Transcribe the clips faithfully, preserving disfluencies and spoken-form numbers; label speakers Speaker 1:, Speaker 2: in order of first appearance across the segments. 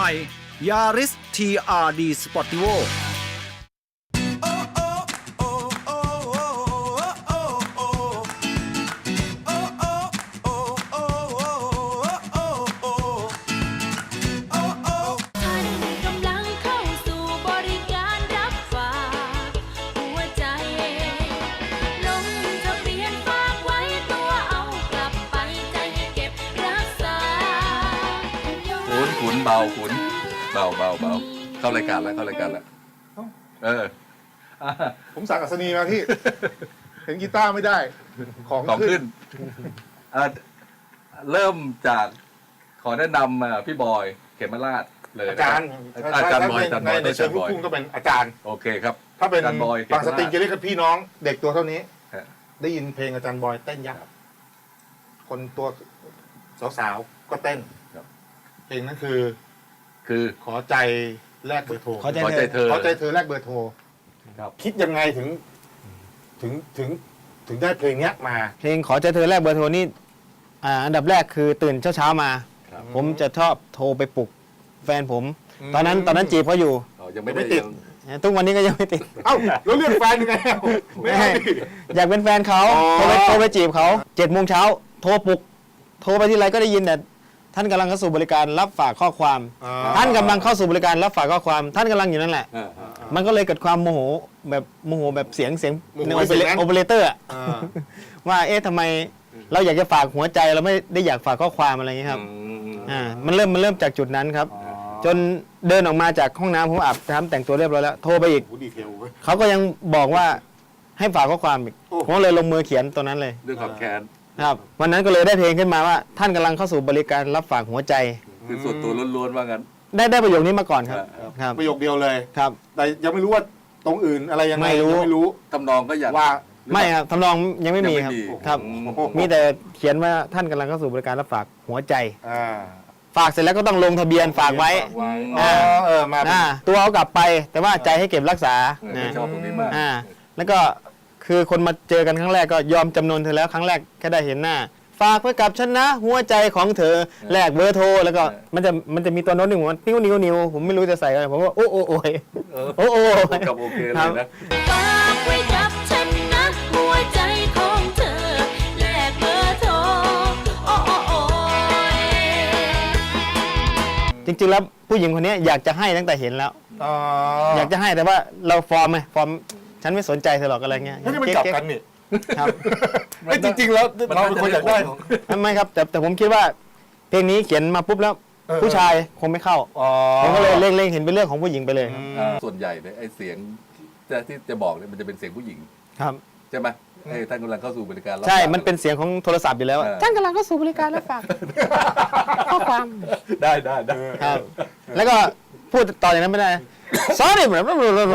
Speaker 1: ใหม่ Yaris ที อาร์ ดี Sportivo
Speaker 2: ขุนเบาขุนเบาเบาเบาเข้ารายการแล้วเข้ารายการแล้วเออ
Speaker 3: ผมสั่งอัศนีมาพี่ เห็นกีตาร์ไม่ได้ ของ
Speaker 2: ของ
Speaker 3: ขึ้
Speaker 2: ขึ้
Speaker 3: น
Speaker 2: นเริ่มจากขอแนะนำพี่บอยเขมราชเลย
Speaker 3: อาจารย์
Speaker 2: อาจารย์บอยอาจารย์บอย
Speaker 3: ในเชิงลูกทุ่งก็เป็นอาจารย์
Speaker 2: โอเคครับ
Speaker 3: ถ้าเป็น
Speaker 2: อาจารย์บอย
Speaker 3: บางสตริงจะเรียกกันพี่น้อง เด็กตัวเท่านี้
Speaker 2: ฮะ
Speaker 3: ได้ยินเพลงอาจารย์บอยเต้นยักษ์คนตัวสาวๆก็เต้นเพลงนั้นคือ
Speaker 2: คือ
Speaker 3: ขอใจแลกเบอร์โทร
Speaker 4: ขอใจ
Speaker 2: ขอใจเธอ
Speaker 3: ขอใจเธอแลกเบอร์โทร
Speaker 2: ครับ
Speaker 3: คิดยังไงถึง ถึงถึงถึงได้เพลงเนี้ยมา
Speaker 4: เพลงขอใจเธอแรกเบอร์โทรนี่อ่าอันดับแรกคือตื่นเช้าๆมา
Speaker 2: ครับ
Speaker 4: ผมจะชอบโทรไปปลุกแฟนผม
Speaker 3: อืม
Speaker 4: ตอนนั้นตอนนั้นจีบเขาอยู่
Speaker 2: อ๋อยังไม่ได้
Speaker 3: ไม่ติด
Speaker 2: ยัง
Speaker 4: ทุกวันนี้ก็ยังไม่ติด
Speaker 3: เอ้าแล้วเรื่องแฟนยังไงไม่ให้
Speaker 4: อยากเป็นแฟนเขา
Speaker 3: อ๋อ
Speaker 4: โทรไปโทรไปจีบเขาเจ็ดโมงเช้าโทรปลุกโทรไปที่ไรก็ได้ยินแต่ท่านกำลังเข้าสู่บริการรับฝากข้อความ
Speaker 3: อ่
Speaker 4: ท่านกำลังเข้าสู่บริการรับฝากข้อความ ท่านกำลังอยู่นั่นแหละ
Speaker 2: เออเออ
Speaker 4: มันก็เลยเกิดความโมโหแบบโมโหแบบเสียงเสียง
Speaker 3: โมโห
Speaker 4: ใน
Speaker 3: ไอ้เสียงนั้น
Speaker 4: โอเปอเรเตอร์อะ
Speaker 3: อ่า
Speaker 4: ว่าเอ๊ะทำไมเราอยากจะฝากหัวใจเราไม่ได้อยากฝากข้อความอะไรอย่างนี้ยครับ
Speaker 2: อืม
Speaker 4: อ่ามันเริ่มมันเริ่มจากจุดนั้นครับ จนเดินออกมาจากห้องน้ำผมอาบน้ำแต่งตัวเรียบร้อยแล้วโทรไปอีก
Speaker 3: โอ้ดีเทลเว้ย
Speaker 4: เขาก็ยังบอกว่าให้ฝากข้อความอีก
Speaker 3: โอ้
Speaker 4: ผมเลยลงมือเขียนตัวนั้นเลย
Speaker 2: ด้วยความแค้น
Speaker 4: ครับวันนั้นก็เลยได้เพลงขึ้นมาว่า ท่านกำลังเข้าสู่บริการรับฝากหัวใจ
Speaker 2: คือส่วนตัวล้วนๆว่างั้น
Speaker 4: ได้ได้ประโยคนี้มาก่อนครับ
Speaker 2: ครับ
Speaker 4: ครับ
Speaker 3: ประโยคเดียวเลย
Speaker 4: ครับ
Speaker 3: แต่ยังไม่รู้ว่าตรงอื่นอะไรยังไง
Speaker 4: ไม่รู้
Speaker 3: ยังไม่รู้
Speaker 2: ทำนองก็อยาก
Speaker 3: ว่า
Speaker 4: ไม่ครับทำนองยังไม่มีครับ
Speaker 2: ยังไม่มี
Speaker 4: ครับ
Speaker 2: อืม
Speaker 4: มีแต่เขียนว่าท่านกำลังเข้าสู่บริการรับฝากหัวใจ
Speaker 3: อ่า
Speaker 4: ฝากเสร็จแล้วก็ต้องลงทะเบียนฝากไว้
Speaker 3: อ๋อเออมาเป็น
Speaker 4: อ่าตัวเอากลับไป แต่ว่าใจให้เก็บรักษา
Speaker 2: เออ
Speaker 4: นะ
Speaker 2: ชอบตรงนี้มาก
Speaker 4: อ่าแล้วก็คือคนมาเจอกันครั้งแรกก็ยอมจำนนเธอแล้วครั้งแรกแค่ได้เห็นหน้า ฝากไว้กับฉันนะหัวใจของเธอแลกเบอร์โทรแล้วก็มันจะมันจะมีตัวโน้ตหนึ่งว่านิ้วนิ้วนิ้วผมไม่รู้จะใส่อะไรผมว่าโอ้โอ้โอ้ย
Speaker 2: เออ
Speaker 4: โอ้โอ้
Speaker 2: กับโอเคเล
Speaker 4: ครั
Speaker 2: ย
Speaker 4: บ
Speaker 2: นะ
Speaker 5: ฝากไว้กับฉันนะหัวใจของเธอแลกเบอร์โทรโอ้โอ้โอ้ย
Speaker 4: จริงๆแล้วผู้หญิงคนนี้อยากจะให้ตั้งแต่เห็นแล้ว
Speaker 3: อ๋อ
Speaker 4: อยากจะให้แต่ว่าเราฟอร์มไงฟอร์มฉันไม่สนใจเธอหรอกอะไรเงี้ย
Speaker 3: ไม่ได้มันกลับกันนี่
Speaker 4: ครับ
Speaker 3: ไอ้ยจริงๆแล้วเราเป็นคนอยากได้ของ
Speaker 4: ไม่ครับแต่แต่ผมคิดว่าเพลงนี้เขียนมาปุ๊บแล้ว
Speaker 3: เออ
Speaker 4: ผู้ชายคงไม่เข้า
Speaker 3: อ๋อ
Speaker 4: ผมก็เลยเล็งๆเห็นเป็นเรื่องของผู้หญิงไปเลยครับ
Speaker 2: อ่าส่วนใหญ่เนี่ยไอ้เสียงที่ที่จะบอกเนี่ยมันจะเป็นเสียงผู้หญิง
Speaker 4: ครับ
Speaker 2: ใช่ไหมไอ้ท่านกำลังเข้าสู่บริการรับ
Speaker 4: ใช่
Speaker 2: ฝาก
Speaker 4: มันเป็นเสียงของโทรศัพท์อยู่แล้วอะ
Speaker 2: เออ
Speaker 4: ท่านกำลังเข้าสู่บริการรับฝากข้อความ
Speaker 2: ได้ได้ได้
Speaker 4: ครับ แล้วก็พูดต่ออย่างนั้นไม่ได้ sorry แบบ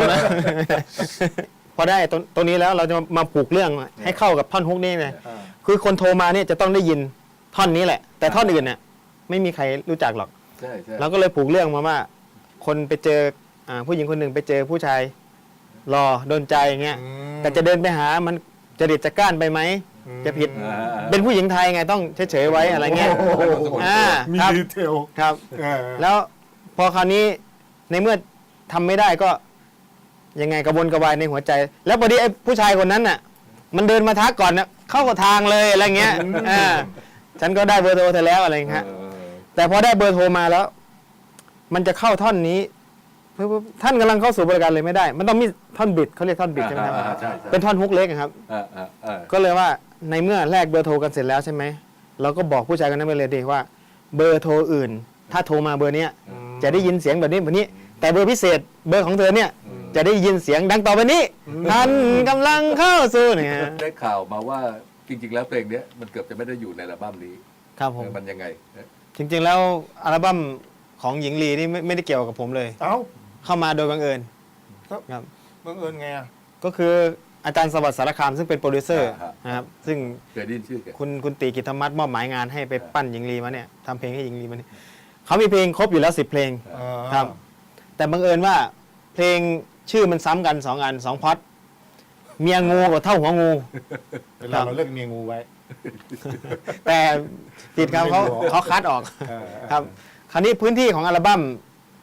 Speaker 4: พอได้ตรงตรงนี้แล้วเราจะมาปลูกเรื่องให้เข้ากับท่อนฮุกนี้เลย
Speaker 3: อ่า
Speaker 4: คือคนโทรมาเนี่ยจะต้องได้ยินท่อนนี้แหละ แต่ท่อนอื่นเนี่ยไม่มีใครรู้จักหรอก
Speaker 2: ใช่ใช่
Speaker 4: เราก็เลยปลูกเรื่องมาว่า คนไปเจออ่าผู้หญิงคนหนึ่งไปเจอผู้ชายรอโดนใจอย่างเงี้ย
Speaker 3: อืม
Speaker 4: แต่จะเดินไปหามันจะดิดจะก้านไปไหม
Speaker 3: อืม
Speaker 4: จะผิด
Speaker 2: อ่าอ่า
Speaker 4: เป็นผู้หญิงไทยไงต้องเฉยๆไว้อะไรเงี้ย
Speaker 3: โอ้โห
Speaker 4: อ่า
Speaker 3: มี
Speaker 4: ครับ
Speaker 3: ดีเทล
Speaker 4: ครับ
Speaker 3: เออ
Speaker 4: แล้วพอคราวนี้ในเมื่อทำไม่ได้ก็ยังไงกระวนกระวายในหัวใจ แล้วพอดีไอ้ผู้ชายคนนั้นน่ะ มันเดินมาทักก่อนนะเข้ากับทางเลยอะไรเงี้ยอ่าฉันก็ได้เบอร์โทรเธอแล้วอะไรเงี้ย
Speaker 2: เออ
Speaker 4: แต่พอได้เบอร์โทรมาแล้ว มันจะเข้าท่อนนี้เพื่อท่านกำลังเข้าสู่บริการเลยไม่ได้ มันต้องมีท่อนบิดเขาเรียกท่อนบิดใช่ไหมครับ
Speaker 2: อ่าอ่าใช่ใช่
Speaker 4: เป็นท่อนฮุกเล็กอะครับ
Speaker 2: อ่าอ่าอ่า
Speaker 4: ก็เลยว่าในเมื่อแลกเบอร์โทรกันเสร็จแล้วใช่ไหมเราก็บอกผู้ชายคนนั้นไปเลยดีว่า เบอร์โทรอื่น ถ้าโทรมาเบอร์เนี้ยจะได้ยินเสียงแบบนี้แบบนี้ แต่เบอร์พิเศษเบอร์ของเธอเนี่ย จะได้ยินเสียงดังต่อไปนี้ท่านกำลังเข้าสู่เนี่ย
Speaker 2: ได้ข่าวมาว่าจริงๆแล้วเพลงเนี้ยมันเกือบจะไม่ได้อยู่ในอัลบั้มนี้
Speaker 4: ครับผม
Speaker 2: เออมันยังไงเออ
Speaker 4: จริงๆแล้วอัลบั้มของหญิงลีนี่ไม่ไม่ได้เกี่ยวกับผมเลย
Speaker 3: เอ้า
Speaker 4: เข้ามาโดยบังเอิญ
Speaker 3: ครับ
Speaker 4: ครับ
Speaker 3: บังเอิญไงอ่ะ
Speaker 4: ก็คืออาจารย์สวัสดิ์สารคามซึ่งเป็นโปรดิวเซอร์นะครับซึ่ง
Speaker 2: เคยได้ยินชื่อแก
Speaker 4: คุณคุณตีกิตธรรมัตมอบหมายงานให้ไปปั้นหญิงลีมาเนี่ยทำเพลงให้หญิงลีมาเนี่ยเขามีเพลงครบอยู่แล้วสิบเพลง
Speaker 3: เออ
Speaker 4: ครับ แต่บังเอิญว่าเพลงชื่อมันซ้ำกันสองอันสองพล็อดเมียงูกับเท่าหัวงู
Speaker 3: เวลาเราเล่นเมียงูไว้
Speaker 4: แต่ติดเขาเขาเขาคัดออก
Speaker 3: เออ
Speaker 4: ครับ คราวนี้พื้นที่ของอัลบั้ม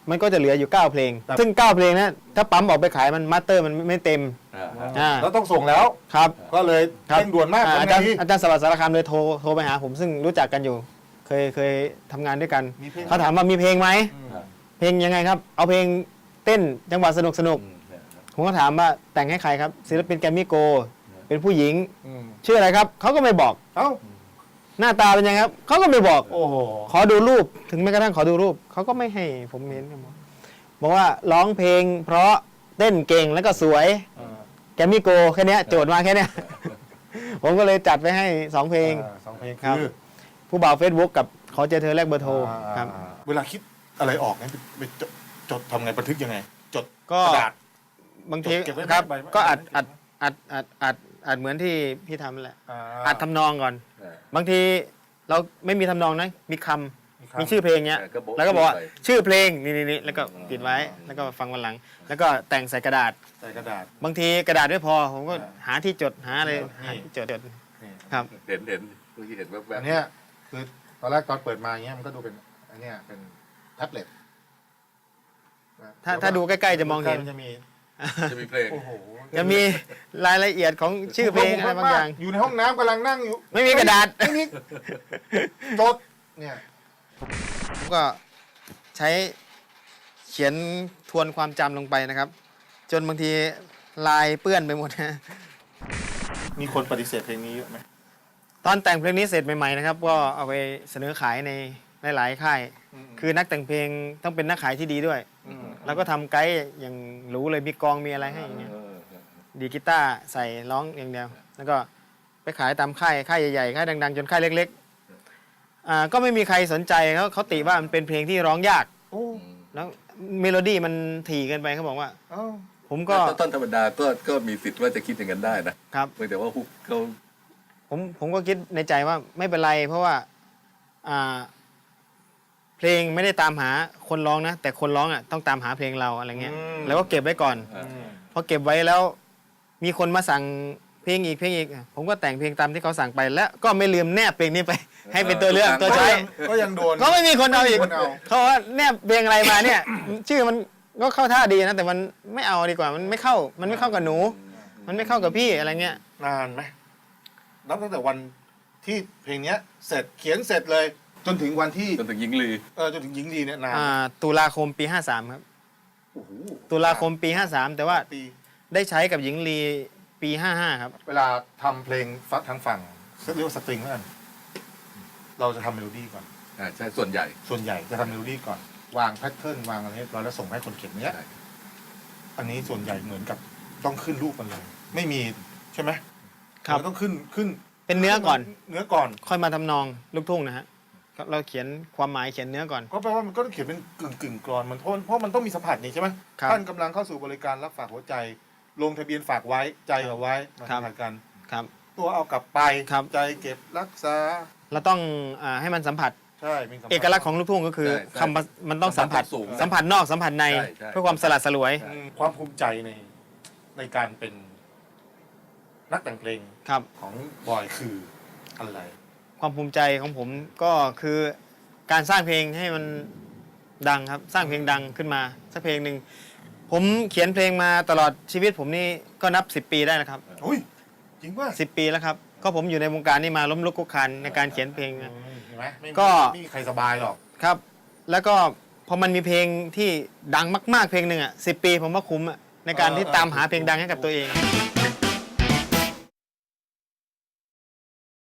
Speaker 4: มันก็จะเหลืออยู่เก้าเพลง ซึ่งเก้าเพลงนะถ้าปั๊มออกไปขายมันมาสเตอร์มันไม่เต็ม
Speaker 2: อ่า
Speaker 4: อ่า
Speaker 3: แล้วต้องส่งแล้ว
Speaker 4: ครับ
Speaker 3: ก็เลย
Speaker 4: ครับ
Speaker 3: เร่งด่วนมาก
Speaker 4: อ่าอา
Speaker 3: ทำไง
Speaker 4: จารย์
Speaker 3: ดี
Speaker 4: อาจารย์สวัสดิ์สารคามเลยโทรโทรไปหาผมซึ่งรู้จักกันอยู่ เคยเคยทำงานด้วยกัน
Speaker 3: มีเพลง
Speaker 4: เขาถามว่ามีเพลงไหม
Speaker 2: อ่า
Speaker 4: เพลงยังไงครับ เอาเพลงเต้นจังหวะสนุกสนุก
Speaker 2: อืมเนี่ย
Speaker 4: ผมก็ถามว่าแต่งให้ใครครับศิลปินแกรมมี่โกลด์เป็นผู้หญิง
Speaker 3: อืม
Speaker 4: ชื่ออะไรครับเขาก็ไม่บอก
Speaker 3: เอ้า
Speaker 4: หน้าตาเป็นยังไงครับเขาก็ไม่บอก
Speaker 3: โอ้โห
Speaker 4: ขอดูรูปถึงแม้กระทั่งขอดูรูปเขาก็ไม่ให้ผมเห็นครับผมบอกว่าร้องเพลงเพราะเต้นเก่งแล้วก็สวยแกรมมี่โกลด์แค่เนี้ยโจทย์มาแค่เนี้ย ผมก็เลยจัดไปให้สองเพลง
Speaker 3: อ่าสองเพลง
Speaker 4: ครับ
Speaker 3: คือ
Speaker 4: ผู้บ่าวเฟซบุ๊กกับขอเจอเธอแลกเบอร์โทรครับ
Speaker 3: อ่าเวลาคิดอะไรออกเนี่ยไปไปจดจดทำไงบันทึกยังไง จด
Speaker 4: ก็
Speaker 3: กระดาษ
Speaker 4: บางที
Speaker 3: เก็บไว้ไหม
Speaker 4: ครับ
Speaker 3: ใบไว้
Speaker 4: ก็อัด
Speaker 3: เก็
Speaker 4: อั
Speaker 3: บ
Speaker 4: ด
Speaker 3: ไว้
Speaker 4: อัดอัดอัดอัดเหมือนที่พี่ทำนั่นแหละ
Speaker 3: อ่า
Speaker 4: อัดทำนองก่อน
Speaker 2: อ่า
Speaker 4: บางทีเราไม่มีทำนองนะมีคำ
Speaker 3: มีคำ
Speaker 4: มีชื่อเพลงเนี้ย
Speaker 2: เออก็บอก
Speaker 4: แล้วก็บอกว่า
Speaker 2: ชื่อไป
Speaker 4: ชื่อเพลงนี่นี่นี่แล้วก็ปิดไว้แล้วก็ฟังวันหลัง แล้วก็แต่งใส่กระดาษ
Speaker 3: ใส่กระดาษ
Speaker 4: บางทีกระดาษไม่พอ ผมก็
Speaker 3: อ่า
Speaker 4: หาที่จดหาอะไร
Speaker 3: นี่
Speaker 4: หาที่จดจด
Speaker 3: นี่
Speaker 4: ครับ
Speaker 2: เห็นเห็นเมื่อกี้เห็นแวบ
Speaker 3: อันเนี้ยคือตอนแรกตอนเปิดมาอย่างเงี้ยมันก็ดูเป็นอันเนี้ยเป็นแท็บเล็ตนะ
Speaker 4: ถ้าถ้าดูใกล้ๆจะมองเห็น
Speaker 3: จะมี
Speaker 2: ๆจะมีเพลง
Speaker 3: โอ้โห
Speaker 4: จะมีรายละเอียดของชื่อเพลงอะไรบางอย่าง
Speaker 3: อยู่ในห้องน้ำกำลังนั่งอยู่
Speaker 4: ไม่มีกระดาษ
Speaker 3: ไม่มีจดเนี่ย
Speaker 4: ผมก็ใช้เขียนทวนความจำลงไปนะครับ จนบางทีลายเปื้อนไปหมดนะ
Speaker 3: มีคนปฏิเสธเพลงนี้เยอะไหม
Speaker 4: ตอนแต่งเพลงนี้เสร็จใหม่ๆนะครับก็เอาไปเสนอขายในหลายๆค่าย คือนักแต่งเพลงต้องเป็นนักขายที่ดีด้วย
Speaker 3: ม
Speaker 4: แล้วก็ทำไกด์อย่างหรูเลยมีกลองมีอะไรให้อย่างเงี้ย
Speaker 2: เออ
Speaker 4: ดีดกีตาร์ใส่ร้องอย่างเดียว แล้วก็ไปขายตามค่ายค่ายใหญ่ๆค่ายดังๆ จนค่ายเล็กๆอ่าก็ไม่มีใครสนใจเขาเขาติว่ามันเป็นเพลงที่ร้องยาก
Speaker 3: โอ้
Speaker 2: อืม
Speaker 4: แล้วเมโลดี้มันถี่เกินไปเขาบอกว่า
Speaker 3: เอ้า
Speaker 4: ผมก็
Speaker 2: ก็ต้นธรรมดาก็ก็มีสิทธิ์ว่าจะคิดอย่างนั้นได้นะครับ เพียงแต่ว่าฮุกเขา
Speaker 4: ผมผมก็คิดในใจว่าไม่เป็นไร เพราะว่าอ่าเพลงไม่ได้ตามหาคนร้องนะ แต่คนร้องอ่ะต้องตามหาเพลงเราอะไรเงี้ย แล้วก็เก็บไว้ก่อน
Speaker 2: อ่า
Speaker 4: พอเก็บไว้แล้ว มีคนมาสั่งเพลงอีกเพลงอีก ผมก็แต่งเพลงตามที่เขาสั่งไป แล้วก็ไม่ลืมแนบเพลงนี้ไป ให้เป็นตัวเลือกตัว
Speaker 3: ก็
Speaker 4: ใช้
Speaker 3: ยังก็ยังโดน
Speaker 4: ก็ไม่มีคนเอาอีก
Speaker 3: ไม่มีคนเอา
Speaker 4: เขาว่าแนบเพลงอะไรมาเนี่ย ชื่อมันก็เข้าท่าดีนะ แต่มันไม่เอาดีกว่า มันไม่เข้า มันไม่เข้ากับหนู มันไม่เข้ากับพี่อะไรเงี้ย
Speaker 3: นานไหมนับตั้งแต่วันที่เพลงเนี้ย เสร็จเขียนเสร็จเลย จนถึงวันที่
Speaker 2: จนถึงยิงลี
Speaker 3: เออจนถึงหญิงลีเนี่ยนาน
Speaker 4: อ่าตุลาคมปีห้าสามครับ
Speaker 3: โอ้โห
Speaker 4: ตุลาคมปีห้าสามแต่ว่า
Speaker 3: ปี
Speaker 4: ได้ใช้กับหญิงลีปีห้าห้าครับ
Speaker 3: เวลาทำเพลงฟังทางฝั่งเรียกว่าสตริงแล้วกันเราจะทำเมโลดี้ก่อน
Speaker 2: อ่าใช่ส่วนใหญ่
Speaker 3: ส่วนใหญ่จะทำเมโลดี้ก่อน วางแพทเทิร์นวางอะไรเรียบร้อยแล้วส่งให้คนเขียนเนี้ย
Speaker 2: ใช่
Speaker 3: อันนี้ส่วนใหญ่เหมือนกับต้องขึ้นรูปมันเลย ไม่มีใช่ไหม
Speaker 4: ครับ
Speaker 3: มันต้องขึ้นขึ้น
Speaker 4: เป็นเนื้อก่อน
Speaker 3: เนื้อก่อน
Speaker 4: ค่อยมาทำนองลูกทุ่งนะฮะก็เราเขียนความหมายเขียนเนื้อก่อน
Speaker 3: ก็แปลว่ามันก็ต้องเขียนเป็นกึ่งกึ่งกรอนมันเพราะเพราะมันต้องมีสัมผัสนี่ใช่ไหม
Speaker 4: ครับ
Speaker 3: ท่านกำลังเข้าสู่บริการรับฝากหัวใจ ลงทะเบียนฝากไว้ใจเอาไว้มา
Speaker 4: ครับ
Speaker 3: สัมผัสกัน
Speaker 4: ครับ
Speaker 3: ตัวเอากลับไป
Speaker 4: ครับ
Speaker 3: ใจเก็บรักษา
Speaker 4: เราต้องอาให้มันสัมผัส
Speaker 3: ใช่มีสัมผัส
Speaker 4: เอกลักษณ์ของลูกทุ่งก็คือ
Speaker 2: ใช่ใช่
Speaker 4: คำว่ามันต้องสัมผัส
Speaker 2: สูง
Speaker 4: สัมผัสนอกสัมผัสใน
Speaker 2: ใช่ใช่
Speaker 4: เพื่อความสลัดสลวย
Speaker 3: อืมความภูมิใจในในการเป็นนักแต่งเพลง
Speaker 4: ครับ
Speaker 3: ของบอยคืออะไร
Speaker 4: ความภูมิใจของผมก็คือการสร้างเพลงให้มันดังครับ สร้างเพลงดังขึ้นมาสักเพลงหนึ่งผมเขียนเพลงมาตลอดชีวิตผมนี่ก็นับสิบปีได้แล้วครับ
Speaker 3: อุ้ยจริงป่ะ
Speaker 4: สิบปีแล้วครับก็ผมอยู่ในวงการนี้มาล้มลุกคลุกคลานในการเขียนเพลง
Speaker 3: อื
Speaker 4: นะ
Speaker 3: มเห็นไหมไม่มี
Speaker 4: ก็
Speaker 3: ไม่มีใครสบายหรอก
Speaker 4: ครับ แล้วก็พอมันมีเพลงที่ดังมากๆเพลงหนึ่งอ่ะสิบปีผมว่าคุ้มอ่ะในการที่ตามหาเพลงดังให้กับตัวเอง
Speaker 3: ถ